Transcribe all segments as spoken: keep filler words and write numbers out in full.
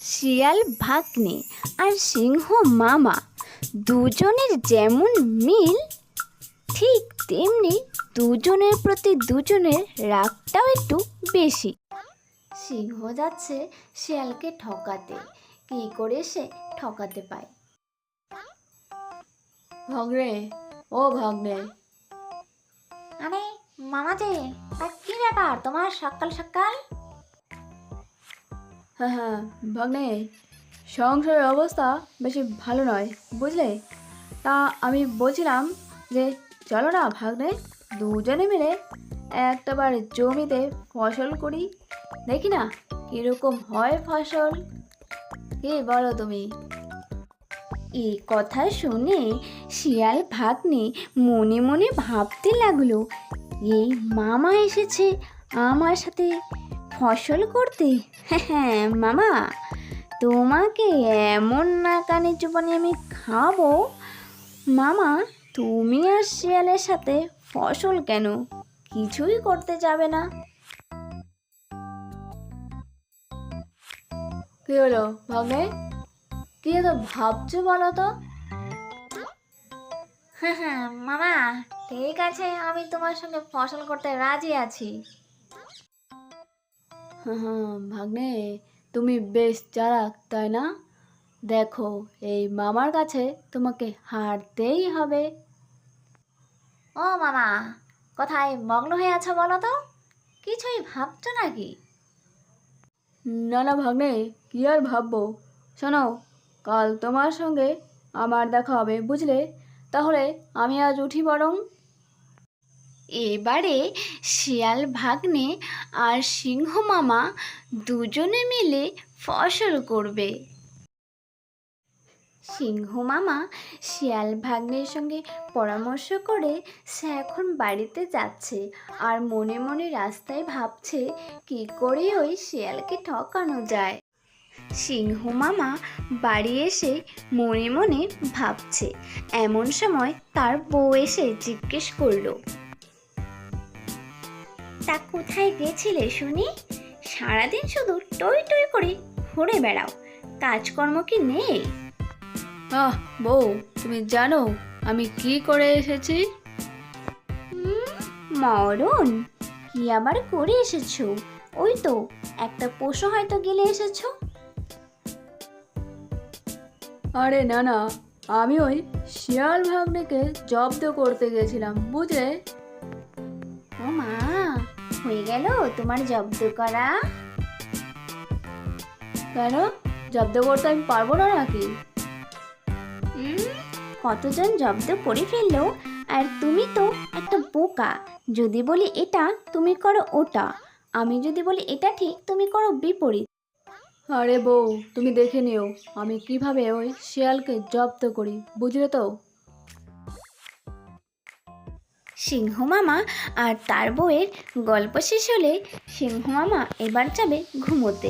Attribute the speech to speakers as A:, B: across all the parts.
A: শিয়াল ভাগ্নে আর সিংহ মামা দুজনের যেমন মিল, ঠিক তেমনি দুজনের প্রতি দুজনের রাগটাও একটু বেশি। সিংহ যাচ্ছে শিয়ালকে ঠকাতে, কী করে সে ঠকাতে পায়।
B: ভাগ্নে, ও ভাগ্নে।
A: আরে মামা যে, তা কি ব্যাপার তোমার সকাল সকাল?
B: হ্যাঁ হ্যাঁ ভাগ্নে, সংসারের অবস্থা বেশি ভালো নয় বুঝলে। তা আমি বলছিলাম যে চলো না ভাগ্নে, দুজনে মিলে একটাবার জমিতে ফসল করি, দেখি না কীরকম হয় ফসল। কি বলো তুমি?
A: এই কথা শুনে শিয়াল ভাগ্নে মনে মনে ভাবতে লাগলো, এই মামা এসেছে আমার সাথে ফসল করতে। হ্যাঁ মামা, তোমাকে এমন না কানে চুপানি আমি খাবো। মামা, তুমি আর শিয়ালের সাথে ফসল কেন কিছুই করতে যাবে না?
B: কি হলো ভাগ্নে, কি এত ভাবছো বলো তো?
A: হ্যাঁ হ্যাঁ মামা, ঠিক আছে, আমি তোমার সঙ্গে ফসল করতে রাজি আছি।
B: হ্যাঁ হ্যাঁ ভাগ্নে, তুমি বেশ চালাক তাই না? দেখো, এই মামার কাছে তোমাকে হারতেই হবে।
A: ও মামা, কোথায় মগ্ন হয়ে আছো বলো তো? কিছুই ভাবছো নাকি?
B: না না ভাগ্নে, কি আর ভাববো। শোনো, কাল তোমার সঙ্গে আমার দেখা হবে বুঝলে। তাহলে আমি আজ উঠি বরং।
A: এবারে শিয়াল ভাগ্নে আর সিংহ মামা দুজনে মিলে ফসল করবে। সিংহ মামা শিয়াল ভাগ্নের সঙ্গে পরামর্শ করে সে এখন বাড়িতে যাচ্ছে, আর মনে মনে রাস্তায় ভাবছে কি করে ওই শিয়ালকে ঠকানো যায়। সিংহ মামা বাড়ি এসে মনে মনে ভাবছে, এমন সময় তার বউ এসে জিজ্ঞেস করলো, তা কোথায় গেছিলে শুনি? সারাদিন শুধু টই টই করে ঘুরে বেড়াও, কাজকর্ম কি নেই?
B: আহ বউ, তুমি জানো আমি কি করে এসেছি?
A: হুম, মরণ, কি আবার করে এসেছো? ওই তো একটা পশু হয়তো গেলে এসেছো।
B: আরে না না, আমি ওই শিয়াল ভাগ্নেকে জব্দ করতে গেছিলাম বুঝলে।
A: ও মা, হয়ে গেল তোমার জব্দ করা?
B: কেন, জব্দ করতে আমি পারবো না নাকি?
A: হুম, কতজন জব্দ করে ফেললো, আর তুমি তো একটা বোকা। যদি বলি এটা, তুমি করো ওটা। আমি যদি বলি এটা ঠিক, তুমি করো বিপরীত।
B: আরে বউ, তুমি দেখে নিও আমি কিভাবে ওই শিয়ালকে জব্দ করি বুঝলে তো।
A: সিংহ মামা আর তার বউয়ের গল্প শেষ হলে সিংহ মামা এবার যাবে ঘুমোতে।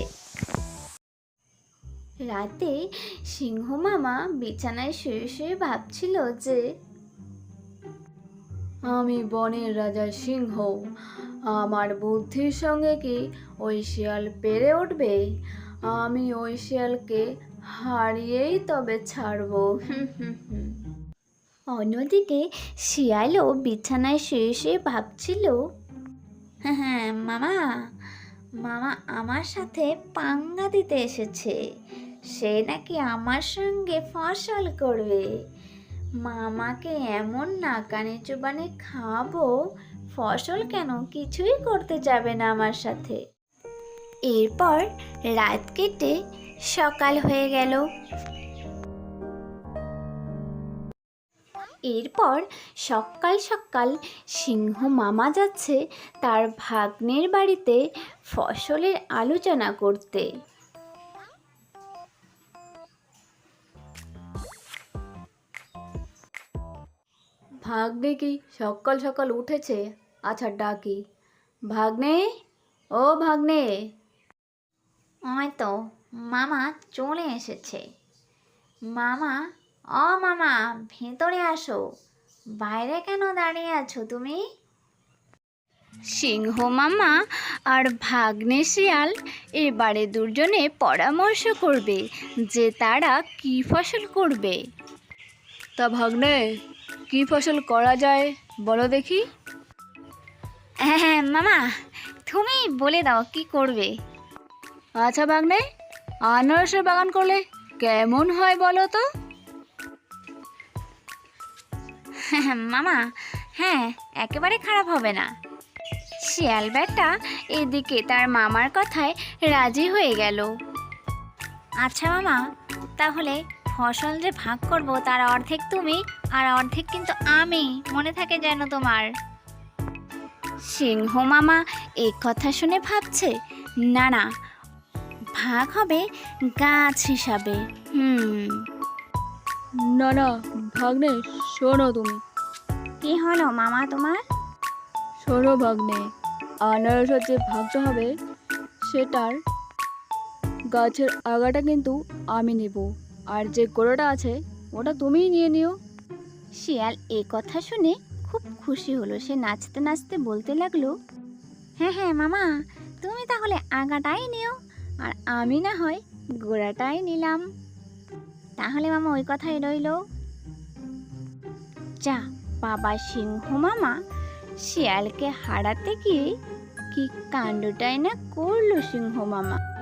A: রাতে সিংহ মামা বিছানায় শুয়ে শুয়ে ভাবছিল যে
B: আমি বনের রাজা সিংহ, আমার বুদ্ধির সঙ্গে কি ওই শিয়াল পেরে উঠবে? আমি ওই শিয়ালকে হারিয়েই তবে ছাড়বো। হুম হুম হুম।
A: অন্যদিকে শিয়ালও বিছানায় শুয়ে শুয়ে ভাবছিল, হ্যাঁ হ্যাঁ মামা, মামা আমার সাথে পাঙ্গা দিতে এসেছে। সে নাকি আমার সঙ্গে ফসল করবে। মামাকে এমন নাকানে চুবানে খাবো, ফসল কেন কিছুই করতে যাবে না আমার সাথে। এরপর রাত কেটে সকাল হয়ে গেল। এরপর সকাল সকাল সিংহ মামা যাচ্ছে তার ভাগ্নের বাড়িতে ফসলের আলোচনা করতে।
B: ভাগ্নে কি সকাল সকাল উঠেছে? আচ্ছা ডাকি। ভাগ্নে, ও ভাগ্নে।
A: ওই তো মামা চলে এসেছে। মামা, ও মামা, ভেতরে আসো। বাইরে কেন দাঁড়িয়ে আছো তুমি? সিংহ মামা আর ভাগ্নে শিয়াল এবারে দুজনে পরামর্শ করবে যে তারা কি ফসল করবে।
B: তা ভাগ্নে, কি ফসল করা যায় বলো দেখি।
A: হ্যাঁ হ্যাঁ মামা, তুমি বলে দাও কি করবে।
B: আচ্ছা ভাগ্নে, আনারসের বাগান করলে কেমন হয় বলো তো?
A: মামা, হ্যাঁ, একেবারে খারাপ হবে না। শিয়াল বেটা এদিকে তার মামার কথায় রাজি হয়ে গেল। আচ্ছা মামা, তাহলে ফসল যে ভাগ করব তার অর্ধেক তুমি আর অর্ধেক কিন্তু আমি, মনে থাকে যেন তোমার। সিংহ মামা এই কথা শুনে ভাবছে, না না, ভাগ হবে গাছ হিসাবে। হুম
B: না না ভাগ্নে, শোনো তুমি,
A: কি হলো মামা তোমার?
B: শোনো ভাগ্নে, আনারসের যে ভাগটা হবে সেটার গাছের আগাটা কিন্তু আমি নেব, আর যে গোড়াটা আছে ওটা তুমিই নিয়ে নিও।
A: শিয়াল এ কথা শুনে খুব খুশি হলো। সে নাচতে নাচতে বলতে লাগলো, হ্যাঁ হ্যাঁ মামা, তুমি তাহলে আগাটাই নিও আর আমি না হয় গোড়াটাই নিলাম। তাহলে মামা ওই কথাই রইল। যা বাবা সিংহ মামা শিয়ালকে হারাতে গিয়ে কি কাণ্ডটাই না করলো সিংহ মামা।